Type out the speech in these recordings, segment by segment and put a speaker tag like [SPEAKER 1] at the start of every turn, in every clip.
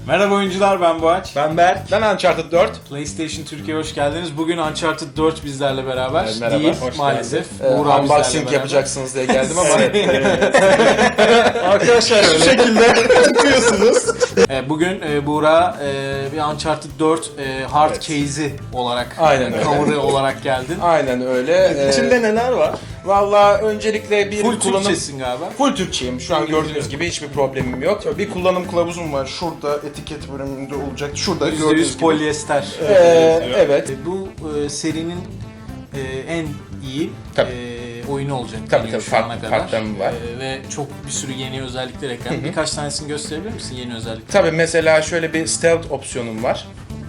[SPEAKER 1] Merhaba oyuncular, ben Boğaç.
[SPEAKER 2] Ben Berk. Ben Uncharted 4.
[SPEAKER 1] PlayStation Türkiye'ye hoş geldiniz. Bugün Uncharted 4 bizlerle beraber
[SPEAKER 2] Merhaba,
[SPEAKER 1] değil
[SPEAKER 2] hoş
[SPEAKER 1] maalesef.
[SPEAKER 2] Buğra unboxing yapacaksınız diye geldim ama
[SPEAKER 1] Arkadaşlar
[SPEAKER 2] şu şekilde yapıyorsunuz.
[SPEAKER 1] bugün Buğra bir Uncharted 4 hard case'i olarak,
[SPEAKER 2] Aynen öyle.
[SPEAKER 1] cover'ı olarak geldin.
[SPEAKER 2] Aynen öyle.
[SPEAKER 3] İçinde neler var?
[SPEAKER 2] Valla öncelikle bir
[SPEAKER 1] Full
[SPEAKER 2] kullanım...
[SPEAKER 1] Türkçesin galiba.
[SPEAKER 2] Full Türkçeyim. Şu an gördüğünüz gibi hiçbir problemim yok. Bir kullanım kılavuzum var. Şurada etiket bölümünde olacak. Şurada gördüğünüz
[SPEAKER 1] %100
[SPEAKER 2] gibi.
[SPEAKER 1] polyester.
[SPEAKER 2] Evet.
[SPEAKER 1] Bu serinin en iyi
[SPEAKER 2] Tabii.
[SPEAKER 1] oyunu olacak.
[SPEAKER 2] Tabii,
[SPEAKER 1] deniyor
[SPEAKER 2] tabii.
[SPEAKER 1] şu ana
[SPEAKER 2] Farklı-
[SPEAKER 1] kadar.
[SPEAKER 2] farklarım var.
[SPEAKER 1] Ve çok bir sürü yeni özellikler eklendi. Birkaç tanesini gösterebilir misin yeni özellikler?
[SPEAKER 2] Tabii mesela şöyle bir stealth opsiyonum var.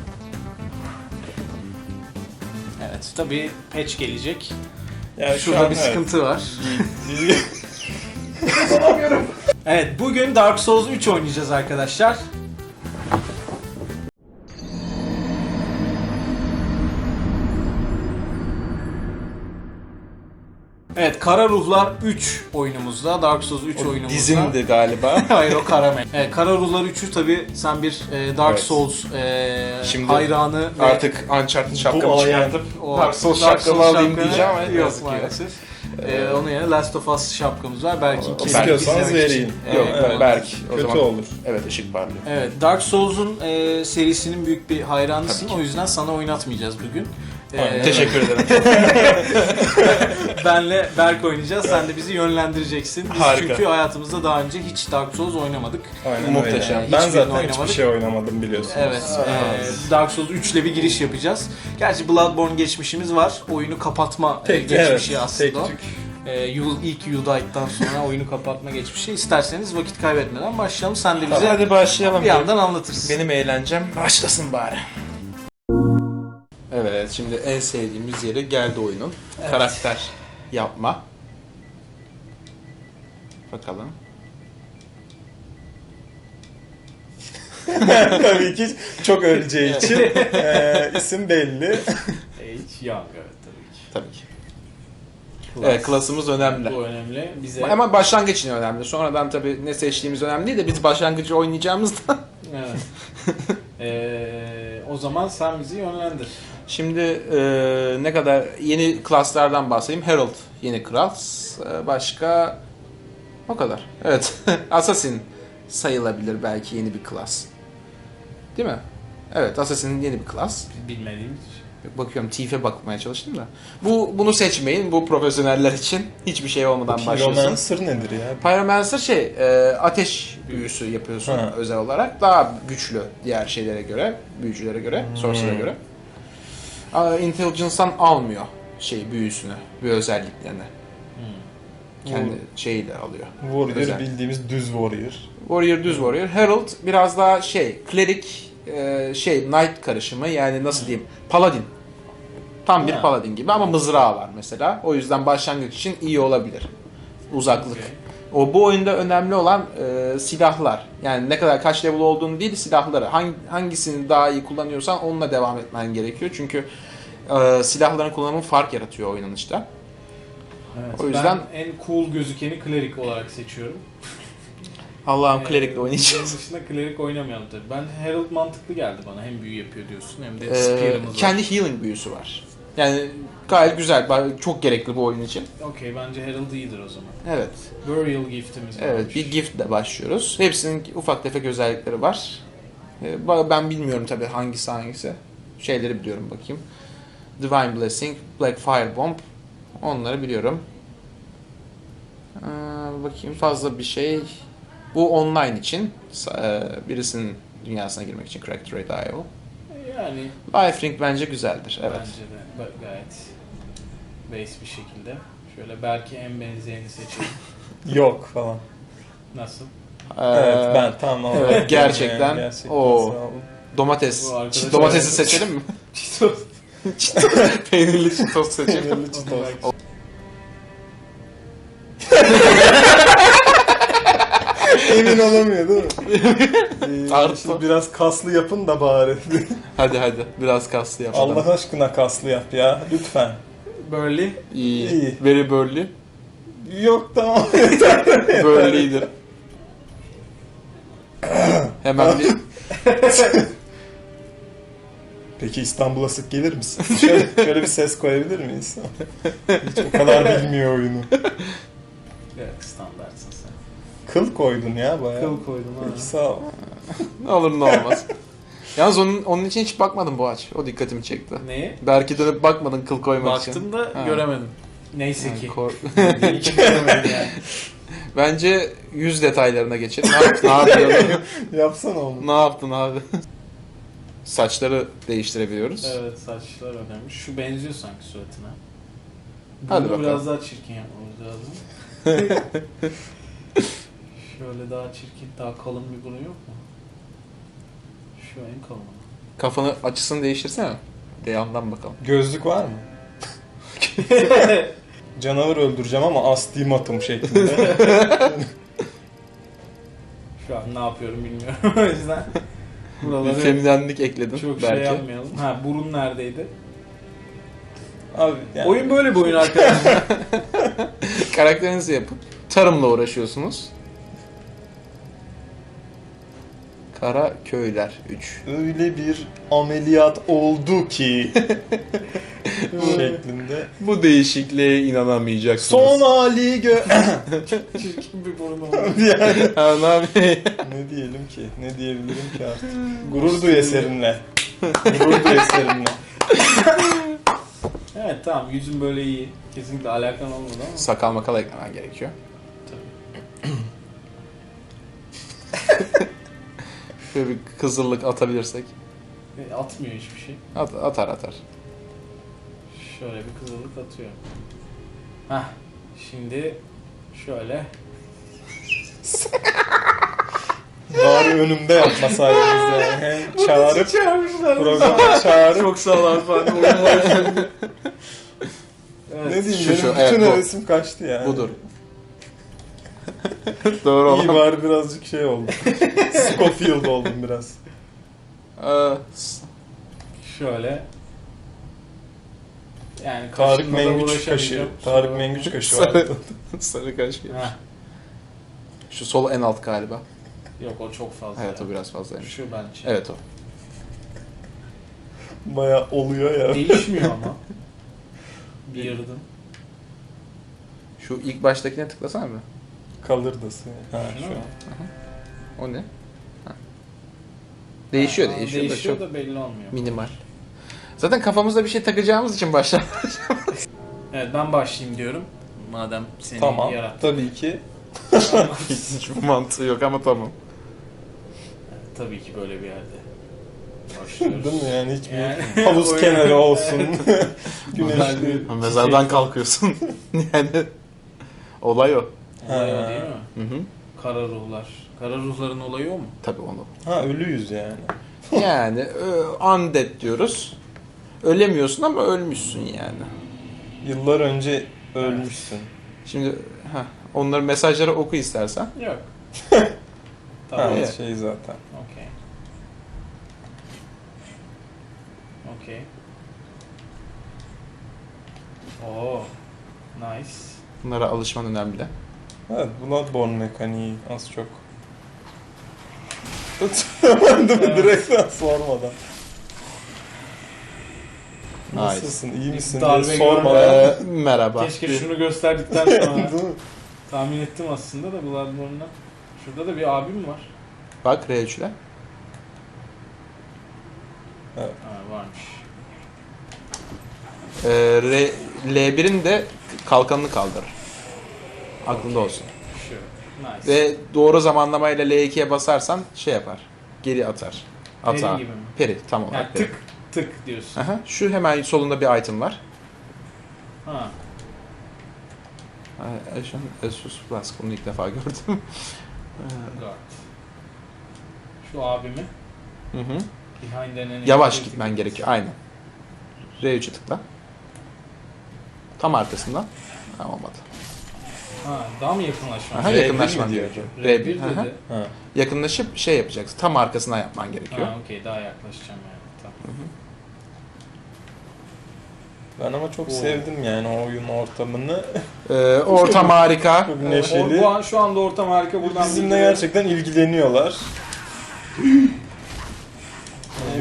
[SPEAKER 1] Evet. Tabii patch gelecek.
[SPEAKER 3] Yani
[SPEAKER 1] Şurada bir sıkıntı var. Evet, bugün Dark Souls 3 oynayacağız arkadaşlar. Evet, Kara Ruhlar 3 oyunumuzda, Dark Souls 3 oyunumuzda.
[SPEAKER 2] Dizimdi galiba.
[SPEAKER 1] Hayır, o Kara Evet, Kara Ruhlar 3'ü tabii sen bir Dark
[SPEAKER 2] Evet.
[SPEAKER 1] Souls
[SPEAKER 2] Şimdi
[SPEAKER 1] hayranı ve
[SPEAKER 2] Artık Uncharted şapkamı
[SPEAKER 3] Bu
[SPEAKER 2] çıkartıp
[SPEAKER 1] o
[SPEAKER 2] Dark Souls şapkamı alayım
[SPEAKER 1] şapkanı
[SPEAKER 2] diyeceğim ama
[SPEAKER 1] yok
[SPEAKER 2] yazık ki.
[SPEAKER 1] maalesef. Onun yerine Last of Us şapkamız var. Belki
[SPEAKER 3] İstiyorsanız vereyim.
[SPEAKER 2] Yok
[SPEAKER 1] evet.
[SPEAKER 2] Berk. O
[SPEAKER 3] Kötü
[SPEAKER 2] zaman
[SPEAKER 3] olur.
[SPEAKER 2] evet ışık parlıyor.
[SPEAKER 1] Evet, Dark Souls'un serisinin büyük bir hayranısın. O yüzden sana oynatmayacağız bugün.
[SPEAKER 2] Teşekkür ederim.
[SPEAKER 1] Benle Berk oynayacağız. Sen de bizi yönlendireceksin. Biz
[SPEAKER 2] Harika.
[SPEAKER 1] çünkü hayatımızda daha önce hiç Dark Souls oynamadık.
[SPEAKER 3] Aynen
[SPEAKER 2] Muhteşem.
[SPEAKER 3] öyle. Ben
[SPEAKER 1] Hiçbirini
[SPEAKER 3] zaten
[SPEAKER 1] oynamadık.
[SPEAKER 3] hiçbir şey oynamadım biliyorsunuz.
[SPEAKER 1] Evet, Dark Souls 3 ile bir giriş yapacağız. Gerçi Bloodborne geçmişimiz var. Oyunu kapatma geçmişi aslında.
[SPEAKER 3] tek
[SPEAKER 1] o.
[SPEAKER 3] tük.
[SPEAKER 1] İlk Udite'dan sonra oyunu kapatma geçmişi. İsterseniz vakit kaybetmeden başlayalım. Sen de bize
[SPEAKER 2] Hadi başlayalım.
[SPEAKER 1] bir yandan anlatırsın.
[SPEAKER 2] Benim eğlencem başlasın bari. Evet, şimdi en sevdiğimiz yere geldi oyunun.
[SPEAKER 1] Evet.
[SPEAKER 2] Karakter yapma. Bakalım.
[SPEAKER 3] Tabii ki çok öleceği için isim belli.
[SPEAKER 1] Age Young, evet tabii ki.
[SPEAKER 2] Tabii ki. Evet, klasımız önemli.
[SPEAKER 1] Bu önemli. Bize
[SPEAKER 2] Ama başlangıç için önemli. Sonradan tabii ne seçtiğimiz önemli değil de biz başlangıcı oynayacağımızda.
[SPEAKER 1] evet. O zaman sen bizi yönlendir.
[SPEAKER 2] Şimdi ne kadar yeni klaslardan bahsedeyim. Herald yeni klas. Başka o kadar. Evet. Assassin sayılabilir belki yeni bir klas. Değil mi? Evet, Assassin'in yeni bir klas.
[SPEAKER 1] Bilmediğimiz
[SPEAKER 2] Bakıyorum Thief'e bakmaya çalıştım da. Bunu seçmeyin. Bu profesyoneller için hiçbir şey olmadan başlasın.
[SPEAKER 3] Pyromancer nedir ya?
[SPEAKER 2] Pyromancer ateş büyüsü yapıyorsun
[SPEAKER 3] Ha.
[SPEAKER 2] özel olarak. Daha güçlü diğer şeylere göre, büyücülere göre, sorcerer'a göre. Intelligence'dan almıyor büyüsünü, bir özelliklerini. Kendi şeyiyle alıyor.
[SPEAKER 3] Warrior
[SPEAKER 2] Özel.
[SPEAKER 3] bildiğimiz düz warrior.
[SPEAKER 2] Warrior düz warrior. Herald biraz daha cleric, knight karışımı, yani nasıl diyeyim, paladin. Tam bir
[SPEAKER 1] Ha.
[SPEAKER 2] paladin gibi ama mızrağı var mesela. O yüzden başlangıç için iyi olabilir. Uzaklık. Bu oyunda önemli olan silahlar. Yani ne kadar kaç level olduğunu değil, silahları. Hangisini daha iyi kullanıyorsan onunla devam etmen gerekiyor. Çünkü silahların kullanımı fark yaratıyor oynanışta.
[SPEAKER 1] Evet,
[SPEAKER 2] O yüzden-
[SPEAKER 1] ben en cool gözükeni Cleric olarak seçiyorum.
[SPEAKER 2] Allah'ım cleric'le oynayacağız.
[SPEAKER 1] Bunun dışında Cleric oynamayalım tabii. Ben Herald mantıklı geldi bana. Hem büyü yapıyor diyorsun hem de Spear'ımız var.
[SPEAKER 2] Kendi healing büyüsü var. Yani gayet güzel. Çok gerekli bu oyun için.
[SPEAKER 1] Okey, bence Herald iyidir o zaman.
[SPEAKER 2] Evet.
[SPEAKER 1] Burial giftimiz var.
[SPEAKER 2] Evet, bir giftle başlıyoruz. Hepsinin ufak tefek özellikleri var. Ben bilmiyorum tabii hangisi. Şeyleri biliyorum bakayım. Divine Blessing, Black Fire Bomb. Onları biliyorum. Bakayım fazla bir şey. Bu online için. Birisinin dünyasına girmek için Cracked.io.
[SPEAKER 1] Yani
[SPEAKER 2] Lifelink bence güzeldir. Evet.
[SPEAKER 1] bence de gayet base bir şekilde. Şöyle belki en benzerini seçelim.
[SPEAKER 3] Yok falan.
[SPEAKER 1] Nasıl?
[SPEAKER 3] Evet ben tamam.
[SPEAKER 2] evet, gerçekten.
[SPEAKER 3] Gerçekten
[SPEAKER 2] Oo.
[SPEAKER 3] sağ olun.
[SPEAKER 2] Domates.
[SPEAKER 1] Bu arkadaş-
[SPEAKER 2] Domatesi seçelim mi?
[SPEAKER 1] Cheetos.
[SPEAKER 2] Peynirli çitos seçelim.
[SPEAKER 3] Peynirli çitos. Emin olamıyor değil mi?
[SPEAKER 2] Artı.
[SPEAKER 3] İşte biraz kaslı yapın da bari.
[SPEAKER 2] Hadi biraz kaslı yapalım.
[SPEAKER 3] Allah aşkına kaslı yap ya lütfen.
[SPEAKER 1] Burley.
[SPEAKER 2] İyi.
[SPEAKER 3] İyi.
[SPEAKER 2] Very burly.
[SPEAKER 3] Yok tamam.
[SPEAKER 2] Burly'dir. Hemen bir
[SPEAKER 3] Peki İstanbul'a sık gelir misin? Şöyle bir ses koyabilir miyiz? Hiç o kadar bilmiyor oyunu.
[SPEAKER 1] Evet, standartsın sen.
[SPEAKER 3] Kıl koydun ya bayağı.
[SPEAKER 1] Kıl koydum ha.
[SPEAKER 3] Peki sağ ol.
[SPEAKER 2] ne olur ne olmaz. Yalnız onun için hiç bakmadım bu aç. O dikkatimi çekti.
[SPEAKER 1] Neye?
[SPEAKER 2] Belki dönüp bakmadın kıl koymak için.
[SPEAKER 1] Baktım da
[SPEAKER 2] Ha.
[SPEAKER 1] göremedim. Neyse
[SPEAKER 2] Yani
[SPEAKER 1] ki.
[SPEAKER 2] kor-
[SPEAKER 1] İyi ki göremedim yani.
[SPEAKER 2] Bence yüz detaylarına geçelim. Ne yapıyorsun?
[SPEAKER 3] Yapsana onu.
[SPEAKER 2] Ne yaptın abi? Saçları değiştirebiliyoruz.
[SPEAKER 1] Evet, saçlar önemli. Şu benziyor sanki suratına.
[SPEAKER 2] Hadi
[SPEAKER 1] Bunu
[SPEAKER 2] bakalım.
[SPEAKER 1] biraz daha çirkin yapmamız lazım. Şöyle daha çirkin, daha kalın bir burun yok mu? Şu en kalın.
[SPEAKER 2] Kafanı açısını değiştirsene. De yandan bakalım.
[SPEAKER 3] Gözlük var mı? Canavar öldüreceğim ama astigmatım şeklinde.
[SPEAKER 1] Şu an ne yapıyorum bilmiyorum o yüzden.
[SPEAKER 2] Bir
[SPEAKER 1] Buraları
[SPEAKER 2] feminenlik ekledim
[SPEAKER 1] çok
[SPEAKER 2] belki.
[SPEAKER 1] şey yapmayalım. Ha, burun neredeydi?
[SPEAKER 3] Abi yani
[SPEAKER 1] Oyun böyle bir oyun arkadaşlar.
[SPEAKER 2] Karakterinizi yapıp tarımla uğraşıyorsunuz. Kara Köyler 3.
[SPEAKER 3] öyle bir ameliyat oldu ki şeklinde.
[SPEAKER 2] Bu değişikliğe inanamayacaksınız.
[SPEAKER 3] Son hali
[SPEAKER 1] Çirkin bir burun oldu.
[SPEAKER 3] yani.
[SPEAKER 2] Ha, ne yapayım?
[SPEAKER 3] Ne diyelim ki? Ne diyebilirim ki artık? Gurur duy eserinle. Gurur duy eserinle.
[SPEAKER 1] Evet tamam, yüzün böyle iyi. Kesinlikle alakan olmadı ama.
[SPEAKER 2] Sakal makal eklemen gerekiyor. Şöyle bir kızıllık atabilirsek.
[SPEAKER 1] Atmıyor hiçbir şey.
[SPEAKER 2] Atar.
[SPEAKER 1] Şöyle bir kızıllık atıyor. Hah, şimdi şöyle.
[SPEAKER 3] Bari önümde yapmasaydınız yani. Hem çağırıp
[SPEAKER 1] çağırmışlar.
[SPEAKER 3] programa çağırıp
[SPEAKER 1] Çok sağ ol Arfan. Evet.
[SPEAKER 3] ne diyeyim
[SPEAKER 2] Şu,
[SPEAKER 3] benim
[SPEAKER 2] evet,
[SPEAKER 3] bütün
[SPEAKER 2] bu.
[SPEAKER 3] hevesim kaçtı yani.
[SPEAKER 2] Budur. Doğru
[SPEAKER 3] İyi
[SPEAKER 2] olan.
[SPEAKER 3] bari birazcık şey oldu. Scofield oldum biraz.
[SPEAKER 1] Şöyle. Yani
[SPEAKER 3] Tarık
[SPEAKER 1] kaşınma da
[SPEAKER 3] Mengüç kaşı.
[SPEAKER 1] uğraşamayacağım.
[SPEAKER 3] Tarık Mengüç kaşı
[SPEAKER 2] Sarı,
[SPEAKER 3] vardı.
[SPEAKER 2] sarı kaş gibi.
[SPEAKER 1] Heh,
[SPEAKER 2] Şu sol en alt galiba.
[SPEAKER 1] yok o çok fazla.
[SPEAKER 2] Evet
[SPEAKER 1] ya.
[SPEAKER 2] o biraz fazlaymış.
[SPEAKER 1] Şu bence.
[SPEAKER 2] Evet o.
[SPEAKER 3] Baya oluyor ya.
[SPEAKER 1] Değişmiyor ama. Bir yırdım.
[SPEAKER 2] Şu ilk baştakine tıklasana mı?
[SPEAKER 3] Kalırdası. Ha,
[SPEAKER 1] Şuna
[SPEAKER 3] şu.
[SPEAKER 1] mı?
[SPEAKER 2] O ne? Ha. Değişiyor,
[SPEAKER 1] Ha,
[SPEAKER 2] değişiyor,
[SPEAKER 1] değişiyor
[SPEAKER 2] da çok
[SPEAKER 1] da belli olmuyor.
[SPEAKER 2] minimal. Zaten kafamızda bir şey takacağımız için başlar.
[SPEAKER 1] Evet, ben başlayayım diyorum. Madem seni
[SPEAKER 3] Tamam.
[SPEAKER 1] yarattı.
[SPEAKER 3] Tabii ki.
[SPEAKER 2] Hiçbir mantığı yok ama tamam.
[SPEAKER 1] Tabii ki böyle bir yerde. Başlıyoruz.
[SPEAKER 3] Değil mi yani hiçbir
[SPEAKER 1] Yani-
[SPEAKER 3] havuz
[SPEAKER 1] Oyun-
[SPEAKER 3] kenarı olsun. Güneşli.
[SPEAKER 2] Mezardan kalkıyorsun. Yani olay o.
[SPEAKER 1] Olay o değil mi?
[SPEAKER 2] Hı hı.
[SPEAKER 1] Kara ruhlar. Kara ruhların olayı o mu?
[SPEAKER 2] Tabii onu.
[SPEAKER 3] Ha ölüyüz yani.
[SPEAKER 2] Yani undead diyoruz. Ölemiyorsun ama ölmüşsün yani.
[SPEAKER 3] Yıllar önce ölmüşsün.
[SPEAKER 2] Şimdi onların mesajları oku istersen.
[SPEAKER 1] Yok.
[SPEAKER 3] Ha,
[SPEAKER 1] Tamam.
[SPEAKER 2] Evet.
[SPEAKER 3] şey zaten.
[SPEAKER 1] Okey. Okey. Oo. Nice.
[SPEAKER 2] Bunlara alışman önemli.
[SPEAKER 3] Evet, Bloodborne mekaniği az çok. Tutamadım direkt sormadan. Nasılsın, iyi misin diye
[SPEAKER 1] Darbe
[SPEAKER 3] sormadan.
[SPEAKER 2] Merhaba.
[SPEAKER 1] Keşke şunu gösterdikten sonra
[SPEAKER 3] Değil mi?
[SPEAKER 1] tahmin ettim aslında da Bloodborne'dan. Şurada da bir abim var.
[SPEAKER 2] Bak R3'le.
[SPEAKER 1] Ha, varmış.
[SPEAKER 2] L1'in de kalkanını kaldırır. Aklında olsun.
[SPEAKER 1] Şu. Nice.
[SPEAKER 2] Ve doğru zamanlamayla L2'ye basarsan şey yapar. Geri atar.
[SPEAKER 1] Peri
[SPEAKER 2] Atağa.
[SPEAKER 1] gibi mi?
[SPEAKER 2] Peri tam
[SPEAKER 1] Yani
[SPEAKER 2] olarak peri.
[SPEAKER 1] tık tık diyorsun.
[SPEAKER 2] Aha, şu hemen solunda bir item var.
[SPEAKER 1] Ha.
[SPEAKER 2] Ashen Asus Flask. Bunu ilk defa gördüm.
[SPEAKER 1] Guard. Şu abimi.
[SPEAKER 2] Hı hı.
[SPEAKER 1] Behind enemy.
[SPEAKER 2] Yavaş gitmen gerekiyor. Aynen. R3'e tıkla. Tam arkasından. Ha, olmadı.
[SPEAKER 1] Ha, daha mı yakınlaşman?
[SPEAKER 2] Aha,
[SPEAKER 3] R1
[SPEAKER 2] yakınlaşman
[SPEAKER 3] mi diyor?
[SPEAKER 2] gerekiyor.
[SPEAKER 1] R1
[SPEAKER 2] Aha.
[SPEAKER 1] dedi.
[SPEAKER 3] Ha.
[SPEAKER 2] Yakınlaşıp şey yapacaksın. Tam arkasına yapman gerekiyor.
[SPEAKER 1] Ha, okey, daha yaklaşacağım yani. Tamam.
[SPEAKER 3] Ben ama çok
[SPEAKER 1] Oo.
[SPEAKER 3] sevdim yani o oyun ortamını.
[SPEAKER 2] Ortam harika.
[SPEAKER 3] Çok neşeli.
[SPEAKER 1] Bu an, şu anda ortam harika. Buradan
[SPEAKER 3] Bizimle
[SPEAKER 1] bir-
[SPEAKER 3] gerçekten ilgileniyorlar.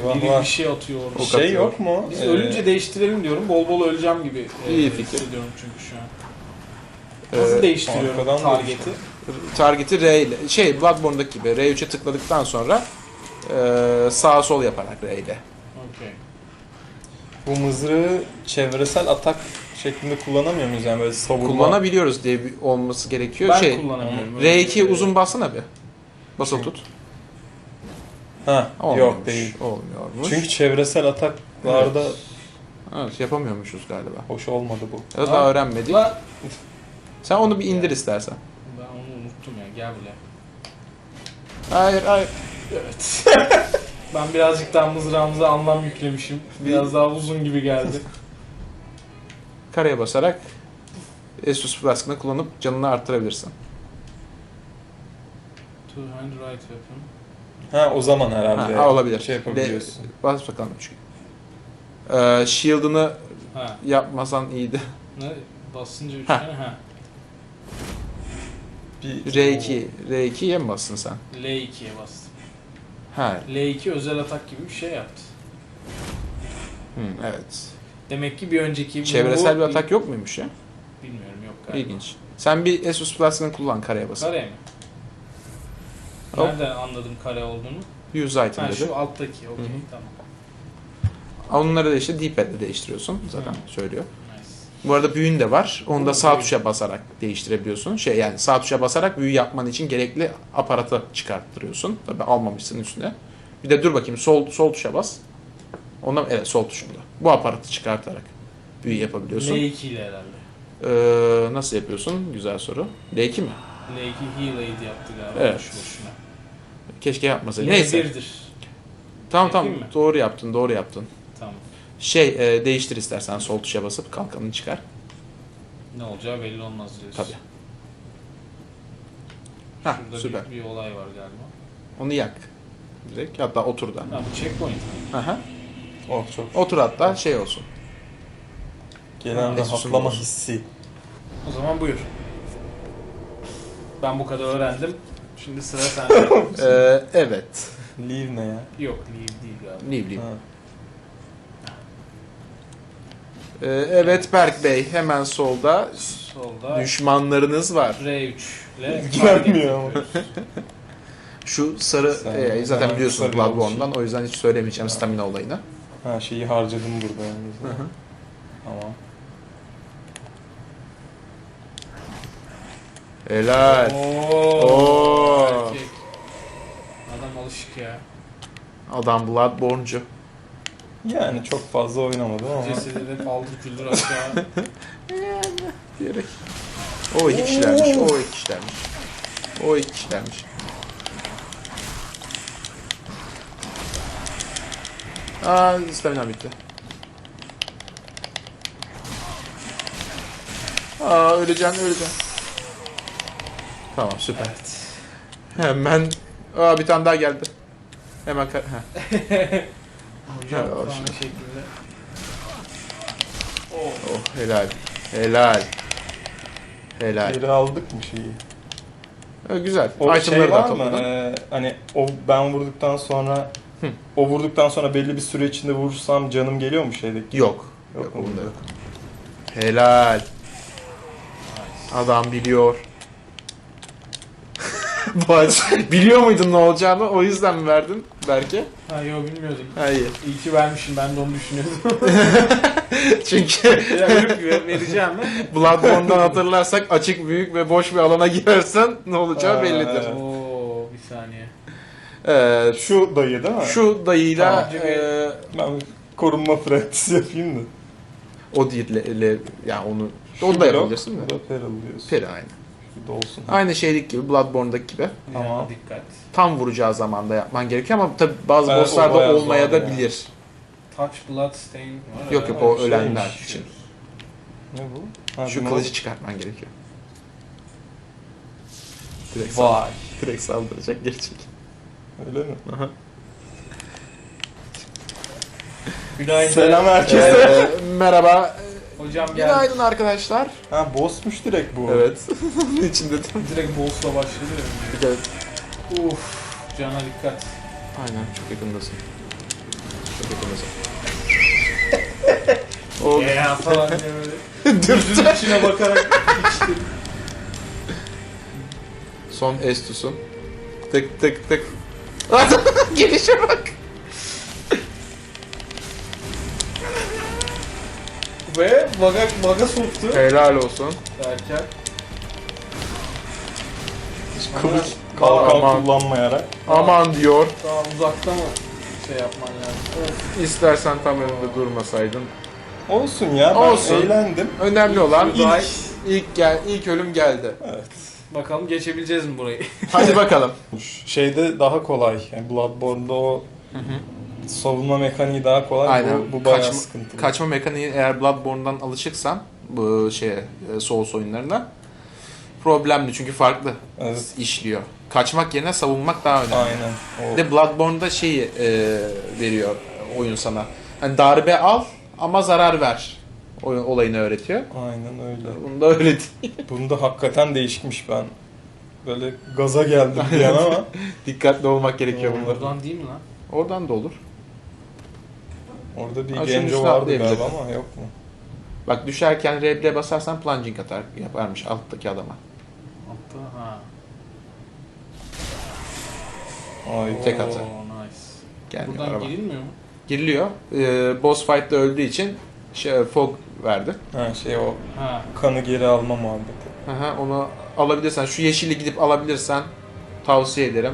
[SPEAKER 3] Eyvah,
[SPEAKER 1] biri
[SPEAKER 3] var.
[SPEAKER 1] bir şey atıyor orada.
[SPEAKER 2] O
[SPEAKER 3] Şey
[SPEAKER 2] katıyor.
[SPEAKER 3] yok mu?
[SPEAKER 1] Biz ölünce değiştirelim diyorum. Bol bol öleceğim gibi
[SPEAKER 2] İyi fikir.
[SPEAKER 1] hissediyorum çünkü şu an. Nasıl değiştiriyorum
[SPEAKER 3] arkadan
[SPEAKER 1] target'i?
[SPEAKER 2] Target'i R ile, Bloodborne'daki gibi R3'e tıkladıktan sonra sağa sol yaparak R ile.
[SPEAKER 1] Okey.
[SPEAKER 3] Bu mızrağı çevresel atak şeklinde kullanamıyor muyuz yani böyle savurma?
[SPEAKER 2] Kullanabiliyoruz diye olması gerekiyor.
[SPEAKER 1] Ben kullanamıyorum.
[SPEAKER 2] R2 uzun bassana bir. Basılı tut.
[SPEAKER 3] Ha,
[SPEAKER 2] Olmuyormuş,
[SPEAKER 3] yok değil.
[SPEAKER 2] Olmuyormuş.
[SPEAKER 3] Çünkü çevresel ataklarda
[SPEAKER 2] Evet, yapamıyormuşuz galiba.
[SPEAKER 3] hoş olmadı bu.
[SPEAKER 2] Ya da daha öğrenmedik.
[SPEAKER 1] La-
[SPEAKER 2] Sen onu bir indir istersen.
[SPEAKER 1] Ben onu unuttum ya. Gel buraya.
[SPEAKER 2] Hayır hayır.
[SPEAKER 1] Evet. Ben birazcık daha mızrağımıza anlam yüklemişim. Biraz daha uzun gibi geldi.
[SPEAKER 2] Kareye basarak Estus Flask'ını kullanıp canını arttırabilirsin.
[SPEAKER 1] Two hand right weapon.
[SPEAKER 3] Ha, o zaman herhalde.
[SPEAKER 2] Ha, olabilir.
[SPEAKER 3] Şey yapabiliyorsun.
[SPEAKER 2] Bas bakalım çünkü. Shield'ını
[SPEAKER 1] Ha.
[SPEAKER 2] yapmasan iyiydi.
[SPEAKER 1] Ne? Basınca 3
[SPEAKER 2] Ha.
[SPEAKER 1] tane. Ha.
[SPEAKER 3] Bir
[SPEAKER 2] R2'ye mi bastın sen?
[SPEAKER 1] L2'ye bastım.
[SPEAKER 2] Ha,
[SPEAKER 1] L2 özel atak gibi bir şey yaptı.
[SPEAKER 2] evet.
[SPEAKER 1] Demek ki bir önceki...
[SPEAKER 2] Çevresel
[SPEAKER 1] bu-
[SPEAKER 2] bir atak yok muymuş ya?
[SPEAKER 1] Bilmiyorum, yok galiba.
[SPEAKER 2] İlginç. Sen bir Estus Flask'ını kullan kareye basıp.
[SPEAKER 1] Kare mi?
[SPEAKER 2] Hop.
[SPEAKER 1] Nereden anladım kare olduğunu?
[SPEAKER 2] Use item
[SPEAKER 1] Ha,
[SPEAKER 2] dedi.
[SPEAKER 1] şu alttaki. Okey,
[SPEAKER 2] Hı hı.
[SPEAKER 1] tamam.
[SPEAKER 2] Onları da işte D-pad'le değiştiriyorsun. Zaten söylüyor.
[SPEAKER 1] Nice.
[SPEAKER 2] Bu arada büyün de var. Onu da
[SPEAKER 1] Oo,
[SPEAKER 2] sağ
[SPEAKER 1] büyü.
[SPEAKER 2] tuşa basarak değiştirebiliyorsun. Yani sağ tuşa basarak büyü yapman için gerekli aparatı çıkarttırıyorsun. Tabii almamışsın üstüne. Bir de dur bakayım sol tuşa bas. Ondan evet sol tuşunda. Bu aparatı çıkartarak büyü yapabiliyorsun.
[SPEAKER 1] L2 ile herhalde.
[SPEAKER 2] Nasıl yapıyorsun? Güzel soru. L2 mi?
[SPEAKER 1] L2 heal aid yaptı galiba.
[SPEAKER 2] Evet.
[SPEAKER 1] Boşu boşuna.
[SPEAKER 2] Keşke yapmasaydı.
[SPEAKER 1] Yine
[SPEAKER 2] Neyse.
[SPEAKER 1] birdir.
[SPEAKER 2] Tamam
[SPEAKER 1] Yapayım mı?
[SPEAKER 2] doğru yaptın.
[SPEAKER 1] Tamam.
[SPEAKER 2] Değiştir istersen sol tuşa basıp kalkanını çıkar.
[SPEAKER 1] Ne olacağı belli olmaz diyorsun.
[SPEAKER 2] Tabii. Hah,
[SPEAKER 1] Şurada
[SPEAKER 2] süper.
[SPEAKER 1] bir olay var galiba.
[SPEAKER 2] Onu yak. Direkt hatta otur da.
[SPEAKER 1] Ha, bu checkpoint.
[SPEAKER 2] Aha.
[SPEAKER 3] Oh, çok.
[SPEAKER 2] Otur hatta şey olsun.
[SPEAKER 3] Gelen
[SPEAKER 2] Esus'un
[SPEAKER 3] rahatlama
[SPEAKER 2] olsun.
[SPEAKER 3] hissi.
[SPEAKER 1] O zaman buyur. Ben bu kadar öğrendim. Şimdi sıra sende.
[SPEAKER 2] Evet.
[SPEAKER 3] Leave ne ya?
[SPEAKER 1] Yok, leave değil galiba.
[SPEAKER 2] Ne bileyim.
[SPEAKER 3] Ha.
[SPEAKER 2] Evet Berk Bey hemen solda
[SPEAKER 1] Solda
[SPEAKER 2] düşmanlarınız var.
[SPEAKER 1] R3 ile
[SPEAKER 3] İlgilenmiyor ama.
[SPEAKER 2] Şu sarı
[SPEAKER 3] Sen-
[SPEAKER 2] zaten
[SPEAKER 3] sen
[SPEAKER 2] biliyorsun
[SPEAKER 3] sarı
[SPEAKER 2] Bloodborne'dan o yüzden hiç söylemeyeceğim stamina olayını.
[SPEAKER 3] Ha, şeyi harcadım burada yalnız.
[SPEAKER 2] Hı hı.
[SPEAKER 3] Tamam.
[SPEAKER 2] Helal. Oo.
[SPEAKER 1] Erkek. Adam alışık ya.
[SPEAKER 2] Adam Bloodborne'cu.
[SPEAKER 3] Yani çok fazla oynamadım ama.
[SPEAKER 1] Cesedi de paldır küldür aşağı.
[SPEAKER 2] Diyerek. O iki kişilermiş. Stamina bitti. Öleceğim. Tamam süper.
[SPEAKER 1] Evet.
[SPEAKER 2] Hemen bir tane daha geldi. Hemen
[SPEAKER 1] Hocam
[SPEAKER 2] Ha,
[SPEAKER 1] falan
[SPEAKER 2] şimdi.
[SPEAKER 1] şeklinde.
[SPEAKER 2] Oh helal.
[SPEAKER 3] Geri aldık mı şeyi?
[SPEAKER 2] Güzel.
[SPEAKER 3] O
[SPEAKER 2] Itemları
[SPEAKER 3] şey
[SPEAKER 2] da
[SPEAKER 3] var mı?
[SPEAKER 2] topladın.
[SPEAKER 3] Hani ben vurduktan sonra
[SPEAKER 2] Hı.
[SPEAKER 3] o vurduktan sonra belli bir süre içinde vurursam canım geliyor mu şeydeki?
[SPEAKER 2] Yok.
[SPEAKER 3] Yok,
[SPEAKER 2] Yok
[SPEAKER 3] bunda
[SPEAKER 2] bunda
[SPEAKER 3] yok.
[SPEAKER 2] yok. Helal. Adam biliyor. Biliyor muydun ne olacağını? O yüzden mi verdin belki?
[SPEAKER 1] Ha yok, bilmiyordum.
[SPEAKER 2] Hayır.
[SPEAKER 1] İyi ki vermişim, ben de onu düşünüyordum.
[SPEAKER 2] Çünkü
[SPEAKER 1] Ya ölüp vereceğim mi?
[SPEAKER 2] Bloodborne'dan hatırlarsak açık, büyük ve boş bir alana girersen ne olacağı
[SPEAKER 3] Aa,
[SPEAKER 2] bellidir.
[SPEAKER 3] evet.
[SPEAKER 1] Oo, bir saniye.
[SPEAKER 3] Şu dayı değil mi?
[SPEAKER 2] Şu dayıyla
[SPEAKER 1] Tamam.
[SPEAKER 3] Ben korunma practice yapayım da.
[SPEAKER 2] o değil yani onu da yapabilirsin
[SPEAKER 3] Bu
[SPEAKER 2] de.
[SPEAKER 3] da Peril diyorsun.
[SPEAKER 2] Peri aynı.
[SPEAKER 3] Şu da olsun.
[SPEAKER 2] Aynı şeylik gibi Bloodborne'daki gibi.
[SPEAKER 3] Tamam.
[SPEAKER 1] Tamam. Dikkat.
[SPEAKER 2] Tam vuracağı zamanda yapman gerekiyor ama tabi bazı
[SPEAKER 3] Evet, o
[SPEAKER 2] bosslarda
[SPEAKER 3] bayağı
[SPEAKER 2] olmaya
[SPEAKER 3] zor
[SPEAKER 2] da
[SPEAKER 3] ya.
[SPEAKER 2] bilir.
[SPEAKER 1] Touch blood stain var.
[SPEAKER 2] Yok
[SPEAKER 1] ya.
[SPEAKER 2] o
[SPEAKER 3] şeymiş.
[SPEAKER 2] ölenler için.
[SPEAKER 3] Ne bu? Ha,
[SPEAKER 2] Şu
[SPEAKER 3] bu
[SPEAKER 2] kılıcı çıkartman gerekiyor. Direkt,
[SPEAKER 3] Vay.
[SPEAKER 2] direkt saldıracak geri çek.
[SPEAKER 3] Öyle mi?
[SPEAKER 2] Aha.
[SPEAKER 3] Günaydın. Selam herkese.
[SPEAKER 2] Merhaba.
[SPEAKER 1] Hocam geldi.
[SPEAKER 2] Günaydın arkadaşlar.
[SPEAKER 3] Ha, bossmuş direkt bu.
[SPEAKER 2] Evet. İçinde de.
[SPEAKER 1] Direkt boss'la başladı ya.
[SPEAKER 2] Evet.
[SPEAKER 1] Uf, cana dikkat.
[SPEAKER 2] Aynen çok yakındasın. O
[SPEAKER 1] Ya falan diye böyle. Gözünün içine bakarak içtim.
[SPEAKER 2] son Estus'un. Tık tık tık. Gelişe bak.
[SPEAKER 1] Ve baga soktu
[SPEAKER 2] Helal olsun.
[SPEAKER 1] derken.
[SPEAKER 3] Kılıç kalkan
[SPEAKER 2] Aman.
[SPEAKER 3] kullanmayarak.
[SPEAKER 2] Aman diyor.
[SPEAKER 1] Daha uzakta mı şey yapman lazım?
[SPEAKER 2] İstersen tam önünde durmasaydın.
[SPEAKER 3] Olsun ya ben
[SPEAKER 2] Olsun.
[SPEAKER 3] eğlendim.
[SPEAKER 2] Önemli olan
[SPEAKER 1] Daha-
[SPEAKER 2] ilk ölüm geldi.
[SPEAKER 3] Evet.
[SPEAKER 1] Bakalım geçebileceğiz mi burayı?
[SPEAKER 2] Hadi bakalım.
[SPEAKER 3] Şeyde daha kolay. Yani Bloodborne'da o savunma mekaniği daha kolay.
[SPEAKER 2] Aynen.
[SPEAKER 3] Bu bayağı
[SPEAKER 2] Kaçma-
[SPEAKER 3] sıkıntılı.
[SPEAKER 2] Kaçma mekaniği eğer Bloodborne'dan alışıksan bu Souls oyunlarına problemli çünkü farklı
[SPEAKER 3] Evet.
[SPEAKER 2] işliyor. Kaçmak yerine savunmak daha önemli.
[SPEAKER 3] Aynen. O
[SPEAKER 2] Bir de Bloodborne'da şeyi veriyor oyun sana. Hani darbe al ama zarar ver. Olayını öğretiyor.
[SPEAKER 3] aynen öyle.
[SPEAKER 2] Bunda öyle değil.
[SPEAKER 3] Bunda hakikaten değişikmiş ben. Böyle gaza geldim bir an ama.
[SPEAKER 2] Dikkatli olmak gerekiyor bunda.
[SPEAKER 1] Oradan değil mi lan?
[SPEAKER 2] Oradan da olur.
[SPEAKER 3] Orada bir
[SPEAKER 2] Ha, şunun
[SPEAKER 3] genco
[SPEAKER 2] üstüne
[SPEAKER 3] vardı
[SPEAKER 2] atlayabilirim.
[SPEAKER 3] galiba ama yok mu?
[SPEAKER 2] Bak düşerken R1'e basarsan plunging atar yaparmış alttaki adama.
[SPEAKER 1] Altta ha.
[SPEAKER 3] Ay.
[SPEAKER 2] Tek atı.
[SPEAKER 1] Oo, nice.
[SPEAKER 2] Gelmiyor
[SPEAKER 1] Buradan
[SPEAKER 2] araba.
[SPEAKER 1] girilmiyor mu?
[SPEAKER 2] Giriliyor. Boss fight'ta öldüğü için fog verdi.
[SPEAKER 3] Ha şey o
[SPEAKER 1] Ha.
[SPEAKER 3] kanı geri alma muhabbeti.
[SPEAKER 2] Aha, onu alabilirsen, şu yeşili gidip alabilirsen tavsiye ederim.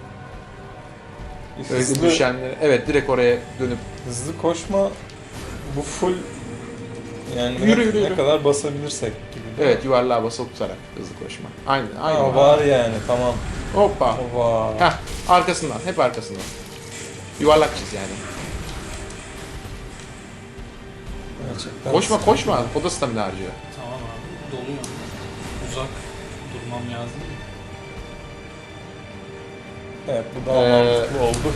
[SPEAKER 2] Öyle
[SPEAKER 3] Hızlı,
[SPEAKER 2] düşenleri. Evet, direkt oraya dönüp
[SPEAKER 3] hızlı koşma bu full yani
[SPEAKER 2] Yürü.
[SPEAKER 3] ne kadar basabilirsek gibi.
[SPEAKER 2] evet yuvarlığa basılı tutarak hızlı koşma. Aynen,
[SPEAKER 3] Ha,
[SPEAKER 2] aynen.
[SPEAKER 3] var yani tamam.
[SPEAKER 2] Hoppa.
[SPEAKER 3] O var.
[SPEAKER 2] Heh, arkasından, hep arkasından. Yuvarlak çiz yani.
[SPEAKER 3] Gerçekten.
[SPEAKER 2] Koşma. O da stamina harcıyor.
[SPEAKER 1] Tamam abi. Doluyor. Uzak durmam lazım.
[SPEAKER 3] Evet bu daha
[SPEAKER 2] Ee,
[SPEAKER 3] mantıklı oldu.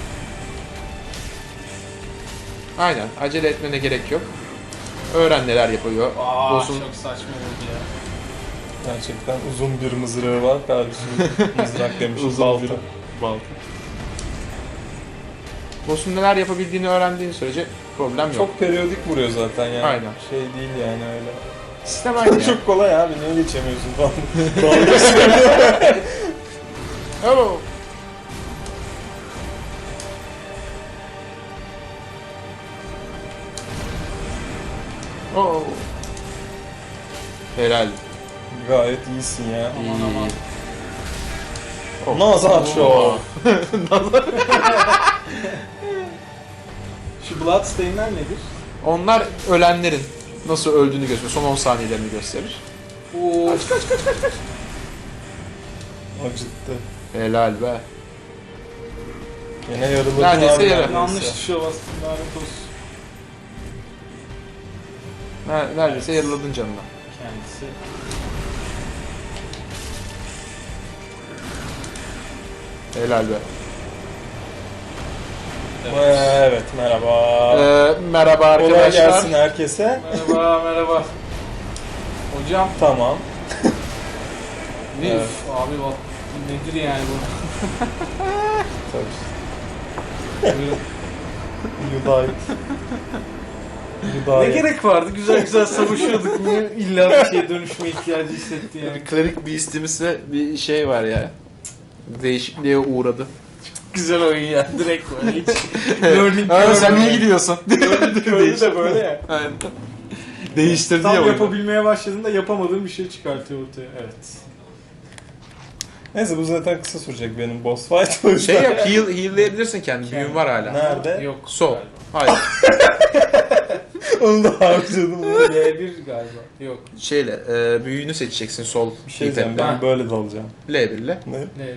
[SPEAKER 2] Aynen, acele etmene gerek yok. Öğren neler yapıyor.
[SPEAKER 1] Aa
[SPEAKER 2] Boss'un
[SPEAKER 1] çok saçma oldu ya.
[SPEAKER 3] Gerçekten uzun bir mızrağı var kardeşim. Mızrak demişim
[SPEAKER 2] Uzun
[SPEAKER 3] balta.
[SPEAKER 2] bir- balta. Boss'un neler yapabildiğini öğrendiğin sürece problem yok.
[SPEAKER 3] Çok periyodik vuruyor zaten yani.
[SPEAKER 2] Aynen.
[SPEAKER 3] Şey değil yani öyle.
[SPEAKER 2] Sistem aynı ya.
[SPEAKER 3] Çok kolay abi niye geçemiyorsun falan.
[SPEAKER 2] Oh. Oh. Helal.
[SPEAKER 3] Gayet iyisin ya.
[SPEAKER 1] Aman aman.
[SPEAKER 2] Oh.
[SPEAKER 3] Nazar Show.
[SPEAKER 1] Şu Bloodstain'ler nedir?
[SPEAKER 2] Onlar ölenlerin nasıl öldüğünü gösteriyor. Son 10 saniyelerini gösterir.
[SPEAKER 1] Oo.
[SPEAKER 3] Acıttı.
[SPEAKER 2] Helal be.
[SPEAKER 3] Yine yarıladın
[SPEAKER 2] Neredeyse
[SPEAKER 3] abi.
[SPEAKER 2] yarı.
[SPEAKER 1] Yanlış tuşa bastım lanet olsun.
[SPEAKER 2] Neredeyse yarıladın canına.
[SPEAKER 1] Kendisi.
[SPEAKER 2] Helal be.
[SPEAKER 3] Evet merhaba.
[SPEAKER 2] Merhaba
[SPEAKER 3] Kolay
[SPEAKER 2] arkadaşlar.
[SPEAKER 3] gelsin herkese.
[SPEAKER 1] Merhaba. Hocam.
[SPEAKER 3] Tamam.
[SPEAKER 1] Ne?
[SPEAKER 3] Evet.
[SPEAKER 1] Abi bak nedir yani bu?
[SPEAKER 3] Tabii.
[SPEAKER 1] Buyurun.
[SPEAKER 3] You died. You
[SPEAKER 1] Ne
[SPEAKER 3] died.
[SPEAKER 1] gerek vardı? Güzel güzel savaşıyorduk. Niye illa bir şeye dönüşme ihtiyacı hissetti yani?
[SPEAKER 2] Bir klerik beast'imiz ve bir şey var ya. Değişikliğe uğradı.
[SPEAKER 1] Güzel oyun ya. Direkt böyle hiç learning
[SPEAKER 2] Aa, sen
[SPEAKER 1] curve
[SPEAKER 2] niye
[SPEAKER 1] ya.
[SPEAKER 2] gidiyorsun?
[SPEAKER 1] Learning curve'ü de böyle ya.
[SPEAKER 2] Aynen. Değiştirdi
[SPEAKER 1] Tam
[SPEAKER 2] ya oyunu.
[SPEAKER 1] yapabilmeye başladığında yapamadığın bir şey çıkartıyor ortaya. Evet.
[SPEAKER 3] Neyse bu zaten kısa sürecek benim boss fight. O yüzden.
[SPEAKER 2] Şey yap, heal'layabilirsin kendini. Büyün var hala.
[SPEAKER 3] Nerede?
[SPEAKER 1] Yok.
[SPEAKER 2] Sol.
[SPEAKER 1] galiba.
[SPEAKER 2] Hayır.
[SPEAKER 3] Onu da harcadım.
[SPEAKER 1] L1 galiba. Yok.
[SPEAKER 2] Şeyle, büyüğünü seçeceksin sol
[SPEAKER 3] Bir şey diyeceğim ben
[SPEAKER 1] Ha.
[SPEAKER 3] böyle dalacağım.
[SPEAKER 2] L1 ile.
[SPEAKER 3] Ne?
[SPEAKER 1] L1.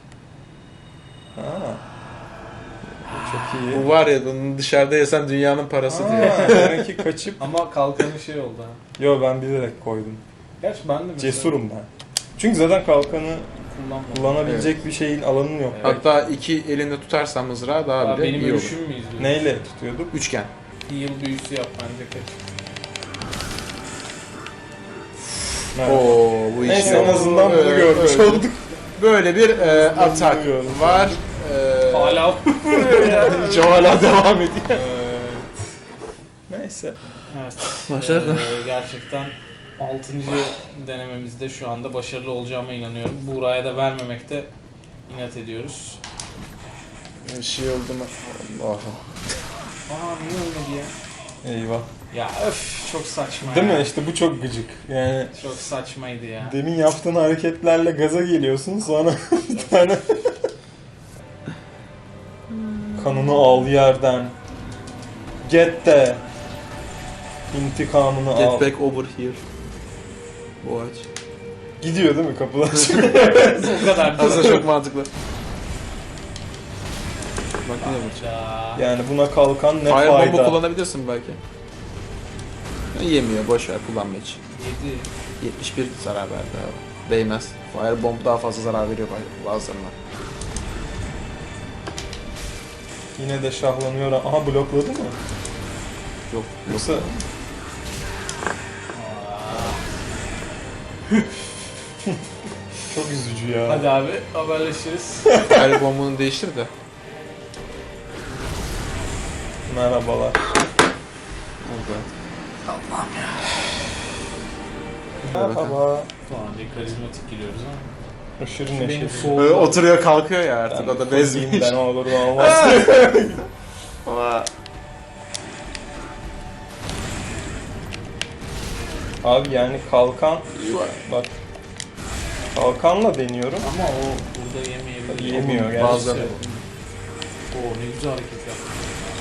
[SPEAKER 3] Ha. Çok iyi.
[SPEAKER 2] Bu var ya, bunun dışarıda yesen dünyanın parası diyor.
[SPEAKER 3] Ha, demek ki kaçıp...
[SPEAKER 1] Ama kalkanı şey oldu ha.
[SPEAKER 3] Yo ben bilerek koydum.
[SPEAKER 1] Gerçi ben de mesela
[SPEAKER 3] Cesurum ben. Çünkü zaten kalkanı
[SPEAKER 1] kullanmadım.
[SPEAKER 3] kullanabilecek bir şeyin alanın yok.
[SPEAKER 1] Evet.
[SPEAKER 2] Hatta iki elinde tutarsan mızrağı daha
[SPEAKER 1] Aa,
[SPEAKER 2] bile
[SPEAKER 1] benim
[SPEAKER 2] iyi olur.
[SPEAKER 1] ölüşüm mü izliyor?
[SPEAKER 3] Neyle tutuyorduk?
[SPEAKER 2] Üçgen.
[SPEAKER 1] Heal büyüsü yap bence kaç.
[SPEAKER 3] Merhaba.
[SPEAKER 2] Oo, bu iş
[SPEAKER 3] Neyse
[SPEAKER 2] yok.
[SPEAKER 3] en azından bunu
[SPEAKER 2] Öyle,
[SPEAKER 3] görmüş
[SPEAKER 2] öyle.
[SPEAKER 3] olduk.
[SPEAKER 2] Böyle bir atak
[SPEAKER 3] Bunu görmüş
[SPEAKER 2] var.
[SPEAKER 1] Hala vuruyor ya.
[SPEAKER 2] Hiç o hala devam ediyor.
[SPEAKER 3] Evet. Neyse.
[SPEAKER 1] Evet.
[SPEAKER 2] Başarılı.
[SPEAKER 1] Gerçekten 6. denememizde şu anda başarılı olacağıma inanıyorum. Buğra'ya da vermemekte inat ediyoruz.
[SPEAKER 2] Bir şey oldu mu? Allah'ım.
[SPEAKER 1] Aa niye olmadı ya?
[SPEAKER 3] Eyvah.
[SPEAKER 1] Ya öf çok saçma
[SPEAKER 3] Değil
[SPEAKER 1] ya.
[SPEAKER 3] mi? İşte bu çok gıcık. Yani
[SPEAKER 1] Çok saçmaydı ya.
[SPEAKER 3] demin yaptığın hareketlerle gaza geliyorsun, sonra bir tane kanını al yerden. Get de intikamını al.
[SPEAKER 2] Get back over here. Boğaç.
[SPEAKER 3] Gidiyor değil mi kapıdan?
[SPEAKER 1] O kadar.
[SPEAKER 2] Aslında çok mantıklı. Bak yine bu.
[SPEAKER 1] Ya.
[SPEAKER 3] Yani buna kalkan ne
[SPEAKER 2] Firebomb'u
[SPEAKER 3] fayda?
[SPEAKER 2] kullanabilirsin belki. Yemiyor, boş ver, kullanma hiç.
[SPEAKER 1] 7.
[SPEAKER 2] 71 zarar verdi abi. Değmez. Firebomb daha fazla zarar veriyor bazılarına.
[SPEAKER 3] Yine de şahlanıyor. Aha, blokladı mı?
[SPEAKER 2] Yok.
[SPEAKER 3] Yoksa çok üzücü ya.
[SPEAKER 1] Hadi abi haberleşiriz.
[SPEAKER 2] Firebomb'unu değiştir de.
[SPEAKER 3] Merhabalar.
[SPEAKER 2] Oldu.
[SPEAKER 3] Merhaba.
[SPEAKER 1] Tamam bir karizmatik giriyoruz ama.
[SPEAKER 3] Aşırı
[SPEAKER 1] Benim
[SPEAKER 3] neşeli.
[SPEAKER 1] soğuk.
[SPEAKER 2] Oturuyor kalkıyor ya artık, o da
[SPEAKER 3] Fırlayayım
[SPEAKER 2] bezmiş.
[SPEAKER 3] ben, olur olmaz.
[SPEAKER 2] Ama
[SPEAKER 3] Abi yani kalkan, bak kalkanla deniyorum.
[SPEAKER 1] Ama o burada yemeyebilir.
[SPEAKER 3] Yemiyor gerçekten.
[SPEAKER 2] bazıları.
[SPEAKER 1] Oo ne güzel hareket yaptı.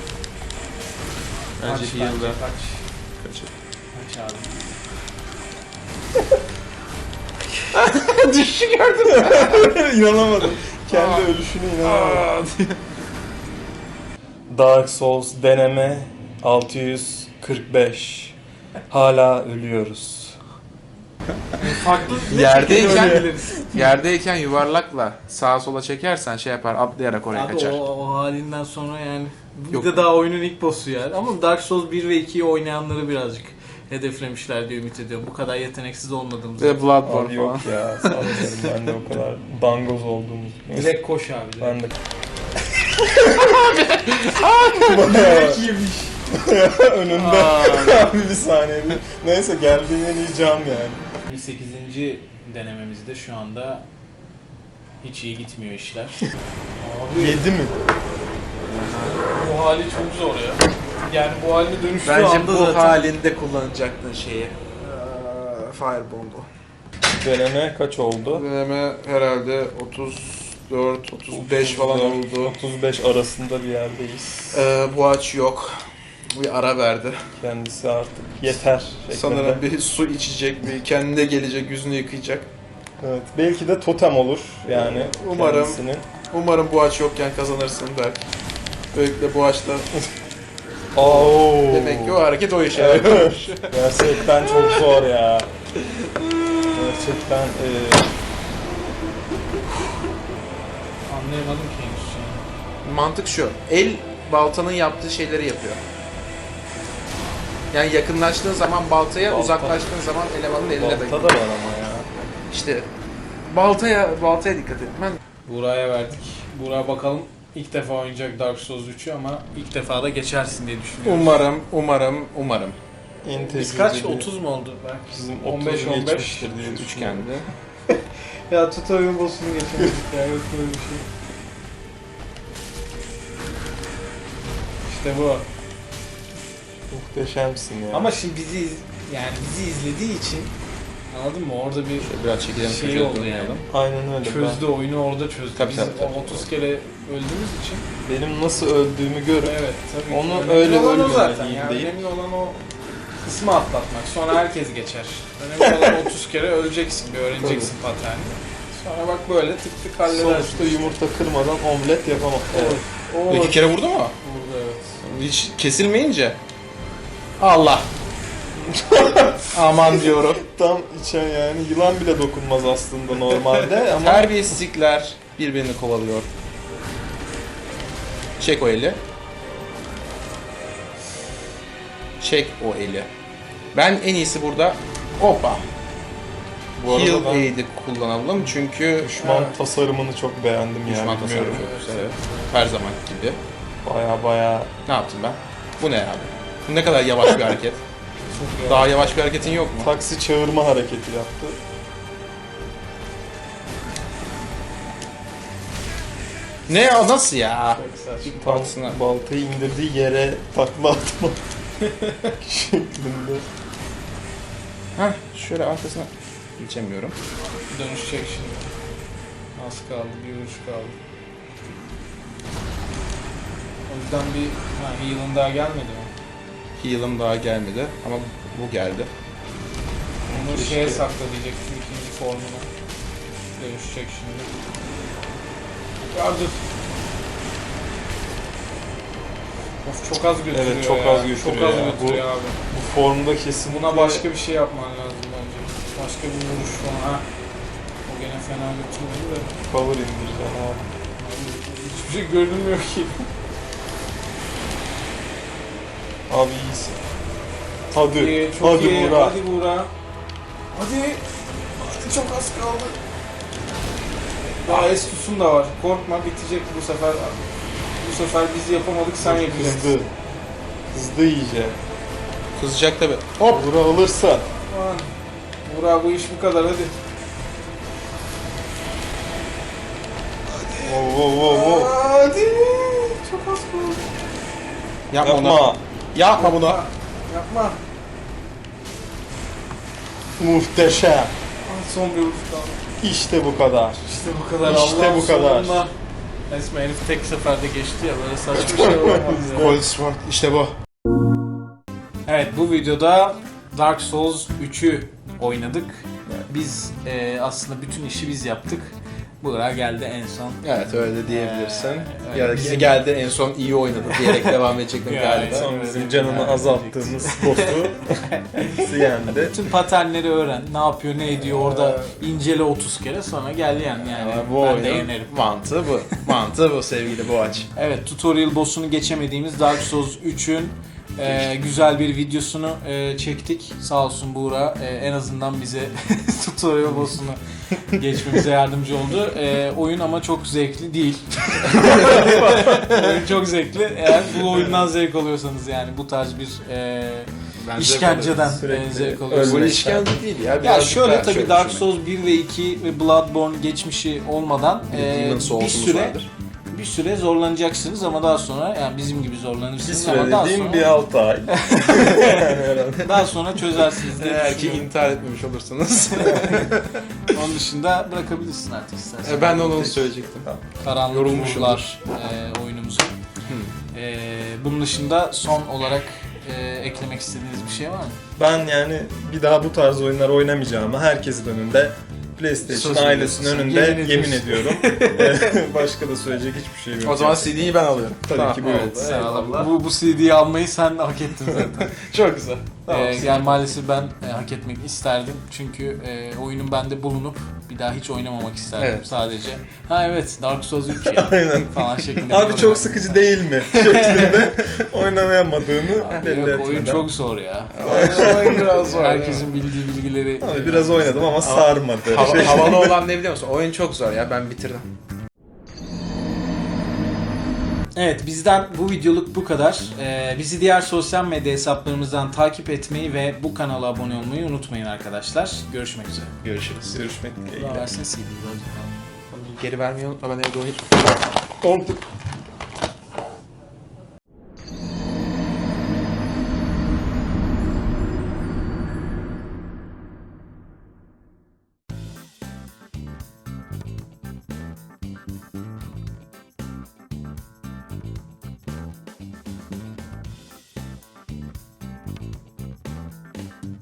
[SPEAKER 2] Bence
[SPEAKER 1] Kaç,
[SPEAKER 2] heal'da.
[SPEAKER 1] kaç.
[SPEAKER 2] Kaçır.
[SPEAKER 1] Kaç abi.
[SPEAKER 2] Düşüşü gördüm.
[SPEAKER 3] İnanamadım. Kendi ölüşüne inanamadım. Dark Souls deneme 645. Hala ölüyoruz.
[SPEAKER 1] Farklı
[SPEAKER 2] Yerdeyken yuvarlakla sağa sola çekersen şey yapar, atlayarak oraya
[SPEAKER 1] Abi
[SPEAKER 2] kaçar.
[SPEAKER 1] o halinden sonra yani bu
[SPEAKER 2] Yok.
[SPEAKER 1] da daha oyunun ilk boss'u yani. Ama Dark Souls 1 ve 2'yi oynayanları birazcık hedeflemişler diye ümit ediyorum. Bu kadar yeteneksiz olmadığımız.
[SPEAKER 2] Ve Bloodborne
[SPEAKER 3] Abi
[SPEAKER 2] falan.
[SPEAKER 3] yok ya, sanmıyorum ben de o kadar dangoz olduğumu.
[SPEAKER 1] Direkt koş abi. Direkt.
[SPEAKER 3] Ben de... Bayağı
[SPEAKER 1] yemiş.
[SPEAKER 3] önümde abi bir saniye. Neyse, geldiğinden iyi cam yani.
[SPEAKER 1] 8. denememizde şu anda hiç iyi gitmiyor işler. Abi
[SPEAKER 3] 7 mi?
[SPEAKER 1] bu hali çok zor ya. Yani bu haline dönüştüğü
[SPEAKER 2] Bence
[SPEAKER 1] anda
[SPEAKER 2] bu
[SPEAKER 1] zaten...
[SPEAKER 2] halinde kullanacaktın şeyi. Firebomb'u.
[SPEAKER 3] Deneme kaç oldu?
[SPEAKER 2] Deneme herhalde 34, 35 falan oldu.
[SPEAKER 3] 35 arasında bir yerdeyiz.
[SPEAKER 2] Bu aç yok. Bir ara verdi.
[SPEAKER 3] Kendisi artık yeter şeklinde.
[SPEAKER 2] Sanırım bir su içecek, bir kendine gelecek, yüzünü yıkayacak.
[SPEAKER 3] Evet, belki de totem olur yani.
[SPEAKER 2] Umarım.
[SPEAKER 3] Kendisinin.
[SPEAKER 2] Umarım bu aç yokken kazanırsın Berk. Böylelikle bu açta
[SPEAKER 3] Oo.
[SPEAKER 2] demek ki o hareket o işe yarıyor.
[SPEAKER 3] Gerçekten çok zor ya. Gerçekten
[SPEAKER 1] Anlayamadım ki henüz yani.
[SPEAKER 2] Mantık şu. El baltanın yaptığı şeyleri yapıyor. Yani yakınlaştığın zaman baltaya,
[SPEAKER 3] Balta.
[SPEAKER 2] uzaklaştığın zaman elemanın eline
[SPEAKER 3] balta
[SPEAKER 2] değiyor.
[SPEAKER 3] da var ama ya.
[SPEAKER 2] İşte baltaya dikkat etmen.
[SPEAKER 1] Buğra'ya verdik. Buğra bakalım ilk defa oynayacak Dark Souls 3'ü ama ilk defa da geçersin diye düşünüyorum.
[SPEAKER 2] Umarım.
[SPEAKER 1] Biz kaç? 30 mu oldu? Belki
[SPEAKER 3] Bizim
[SPEAKER 1] 15 15
[SPEAKER 3] geçmiştir diye
[SPEAKER 2] Üçgende.
[SPEAKER 3] düşünüyorum.
[SPEAKER 1] Ya tutorial boss'unu geçemedik ya, yok böyle bir şey. İşte bu.
[SPEAKER 3] Muhteşemsin ya.
[SPEAKER 1] Ama şimdi bizi izlediği için anladın mı? Orada bir
[SPEAKER 2] Biraz çekilelim.
[SPEAKER 1] şey oldu yani.
[SPEAKER 3] Aynen öyle.
[SPEAKER 1] Çözdü oyunu, orada çözdü.
[SPEAKER 2] Tabii,
[SPEAKER 1] Biz
[SPEAKER 2] tabii.
[SPEAKER 1] 30 kere öldüğümüz için.
[SPEAKER 3] Benim nasıl öldüğümü görüp
[SPEAKER 1] Evet tabii.
[SPEAKER 3] Onu
[SPEAKER 1] Önemli
[SPEAKER 3] öyle
[SPEAKER 1] olan o
[SPEAKER 3] ölmemeli
[SPEAKER 1] zaten.
[SPEAKER 3] değil
[SPEAKER 1] Yani
[SPEAKER 3] deyip-
[SPEAKER 1] önemli olan o kısmı atlatmak. Sonra herkes geçer. Önemli olan 30 kere öleceksin, bir öğreneceksin paterni. Sonra bak böyle tık tık halledersin.
[SPEAKER 3] sonuçta yumurta kırmadan omlet yapamam. Evet.
[SPEAKER 1] O
[SPEAKER 2] İki kere vurdu mu?
[SPEAKER 1] burada evet.
[SPEAKER 2] Hiç kesilmeyince. Allah. Aman diyorum.
[SPEAKER 3] Tam içe yani yılan bile dokunmaz aslında normalde ama
[SPEAKER 2] Terbiyesizlikler birbirini kovalıyor. Çek o eli. Çek o eli. Ben en iyisi burada hoppa.
[SPEAKER 3] bu arada
[SPEAKER 2] Heal
[SPEAKER 3] ben
[SPEAKER 2] aid'i kullanalım çünkü
[SPEAKER 3] düşman tasarımını çok beğendim
[SPEAKER 2] düşman
[SPEAKER 3] yani.
[SPEAKER 2] tasarrufu.
[SPEAKER 3] Bilmiyorum.
[SPEAKER 2] Evet. Her zaman gibi.
[SPEAKER 3] Baya
[SPEAKER 2] Ne yaptım ben? Bu ne abi? Bu ne kadar yavaş bir hareket.
[SPEAKER 1] Çok iyi.
[SPEAKER 2] Daha yavaş bir hareketin yok mu?
[SPEAKER 3] taksi çağırma hareketi yaptı.
[SPEAKER 2] Ne ya, nasıl ya?
[SPEAKER 1] Çok saçma.
[SPEAKER 3] Tam
[SPEAKER 2] Taksına.
[SPEAKER 3] baltayı indirdiği yere takla atma şeklinde.
[SPEAKER 2] Heh, şöyle arkasına geçemiyorum.
[SPEAKER 1] Dönüşecek şimdi. Az kaldı, bir vuruş kaldı. O yüzden bir heal'ın daha gelmedi mi?
[SPEAKER 2] Heal'ım daha gelmedi ama bu geldi.
[SPEAKER 1] Onu
[SPEAKER 3] Keşke.
[SPEAKER 1] şeye sakla diyecektim, ikinci formuna. Dönüşecek şimdi. Yardır. Of, çok az götürüyor.
[SPEAKER 3] Evet, çok
[SPEAKER 1] ya.
[SPEAKER 3] az götürüyor
[SPEAKER 1] Çok az
[SPEAKER 3] ya.
[SPEAKER 1] götürüyor abi.
[SPEAKER 3] Bu formda kesin
[SPEAKER 1] Buna başka bir şey yapman lazım bence. Başka bir vuruş falan. Ha. O gene fena götürmedi de.
[SPEAKER 3] power indireceksin abi.
[SPEAKER 1] Hiçbir şey görünmüyor ki.
[SPEAKER 3] Abi iyisin. Hadi,
[SPEAKER 1] İyi, çok
[SPEAKER 3] hadi
[SPEAKER 1] iyi.
[SPEAKER 3] Buğra.
[SPEAKER 1] Hadi Buğra. Hadi. Hadi, çok az kaldı. Daha Estus'un da var. Korkma, bitecek bu sefer. Bu sefer biz yapamadık, sen yapacaksın.
[SPEAKER 3] Hızlı. Hızlı iyice.
[SPEAKER 2] Kızacak tabi. Hop!
[SPEAKER 3] Buğra alırsa.
[SPEAKER 1] Aman. Buğra, bu iş bu kadar, hadi.
[SPEAKER 3] Oo.
[SPEAKER 1] Hadi. Çok az kaldı.
[SPEAKER 2] Yapma,
[SPEAKER 3] Yapma.
[SPEAKER 2] onu. Yapma bunu.
[SPEAKER 1] Yapma.
[SPEAKER 3] Muhteşem.
[SPEAKER 1] Ah, son bir vuruş kaldı.
[SPEAKER 3] İşte bu kadar.
[SPEAKER 1] İşte bu kadar.
[SPEAKER 3] İşte
[SPEAKER 1] Allah'ın
[SPEAKER 3] bu kadar.
[SPEAKER 1] sonunda. Resmen herif tek seferde geçti ya, böyle saçma bir şey olamaz ya.
[SPEAKER 2] Cold Sword işte bu.
[SPEAKER 1] Evet, bu videoda Dark Souls 3'ü oynadık. Biz aslında bütün işi biz yaptık. Buğra geldi en son.
[SPEAKER 2] Evet, öyle diyebilirsin.
[SPEAKER 1] öyle
[SPEAKER 2] Ya,
[SPEAKER 1] bizim-
[SPEAKER 2] geldi en son iyi oynadı diyerek devam edecektim
[SPEAKER 1] Yani,
[SPEAKER 2] galiba.
[SPEAKER 1] evet.
[SPEAKER 3] Son bizim canını azalttığımız boss'u yendi.
[SPEAKER 1] Bütün paternleri öğren. Ne yapıyor, ne ediyor orada incele 30 kere, sonra gel yani.
[SPEAKER 2] Ama bu
[SPEAKER 1] ben de
[SPEAKER 2] oyunun
[SPEAKER 1] yenerim.
[SPEAKER 2] mantığı bu. Mantığı bu sevgili Boğaç.
[SPEAKER 1] Evet, tutorial boss'unu geçemediğimiz Dark Souls 3'ün güzel bir videosunu çektik. Sağ olsun Buğra en azından bize tutorial boss'unu geçmemize yardımcı oldu. Oyun ama çok zevkli değil. Oyun çok zevkli. Eğer bu oyundan zevk alıyorsanız, yani bu tarz bir işkenceden
[SPEAKER 3] Sürekli
[SPEAKER 1] zevk
[SPEAKER 2] Bu
[SPEAKER 1] alıyorsanız.
[SPEAKER 2] işkence değil ya.
[SPEAKER 1] Ya
[SPEAKER 2] birazcık
[SPEAKER 1] şöyle,
[SPEAKER 2] daha
[SPEAKER 1] tabii
[SPEAKER 2] şöyle
[SPEAKER 1] Dark
[SPEAKER 2] düşünmek.
[SPEAKER 1] Souls 1 ve 2 ve Bloodborne geçmişi olmadan
[SPEAKER 2] Demon Souls'umuz vardır.
[SPEAKER 1] bir süre zorlanacaksınız ama daha sonra, yani bizim gibi
[SPEAKER 3] Bir
[SPEAKER 1] zorlanırsınız
[SPEAKER 3] süre
[SPEAKER 1] ama daha
[SPEAKER 3] dediğim
[SPEAKER 1] sonra,
[SPEAKER 3] bir 6 ay.
[SPEAKER 1] daha sonra çözersiniz diye
[SPEAKER 2] Eğer ki
[SPEAKER 1] düşünüyorum.
[SPEAKER 2] intihar etmemiş olursanız.
[SPEAKER 1] Onun dışında bırakabilirsin artık istersen.
[SPEAKER 2] Ben de onu söyleyecektim.
[SPEAKER 1] Karanlık
[SPEAKER 2] Yorulmuşumdur.
[SPEAKER 1] Ruhlar oyunumuzu. Bunun dışında son olarak eklemek istediğiniz bir şey var mı?
[SPEAKER 3] Ben yani bir daha bu tarz oyunlar oynamayacağımı herkesin önünde, PlayStation
[SPEAKER 2] Söz
[SPEAKER 3] ailesinin
[SPEAKER 1] veriyorsun.
[SPEAKER 3] önünde
[SPEAKER 1] Yemin
[SPEAKER 3] yemin ediyorum. Başka da söyleyecek hiçbir şeyim yok.
[SPEAKER 2] O zaman CD'yi ben alıyorum.
[SPEAKER 3] Tabii ki buyurun.
[SPEAKER 1] Evet, sen
[SPEAKER 2] eyvallah.
[SPEAKER 1] al. Bu CD'yi almayı sen hak ettin zaten.
[SPEAKER 2] Çok güzel.
[SPEAKER 1] Yani maalesef ben hak etmek isterdim. Çünkü oyunun bende bulunup bir daha hiç oynamamak isterdim
[SPEAKER 2] Evet.
[SPEAKER 1] sadece. Ha evet, Dark Souls 3 ya
[SPEAKER 3] Aynen.
[SPEAKER 1] falan şeklinde.
[SPEAKER 3] Abi çok sıkıcı değil mi? Şeklinde oynayamadığını belli
[SPEAKER 1] Yok, oyun
[SPEAKER 3] etmeden.
[SPEAKER 1] çok zor ya.
[SPEAKER 2] biraz zor.
[SPEAKER 1] Herkesin bildiği bilgileri.
[SPEAKER 3] Abi biraz oynadım ama sarmadı.
[SPEAKER 2] Havalı olan ne biliyor musun? Oyun çok zor ya, ben bitirdim.
[SPEAKER 1] Evet, bizden bu videoluk bu kadar. Bizi diğer sosyal medya hesaplarımızdan takip etmeyi ve bu kanala abone olmayı unutmayın arkadaşlar. Görüşmek üzere.
[SPEAKER 2] Görüşürüz.
[SPEAKER 3] Görüşmek dileğiyle.
[SPEAKER 1] Versene CD'yi.
[SPEAKER 2] Geri vermeyi unutma, ben evde oynayayım.
[SPEAKER 3] Oldu.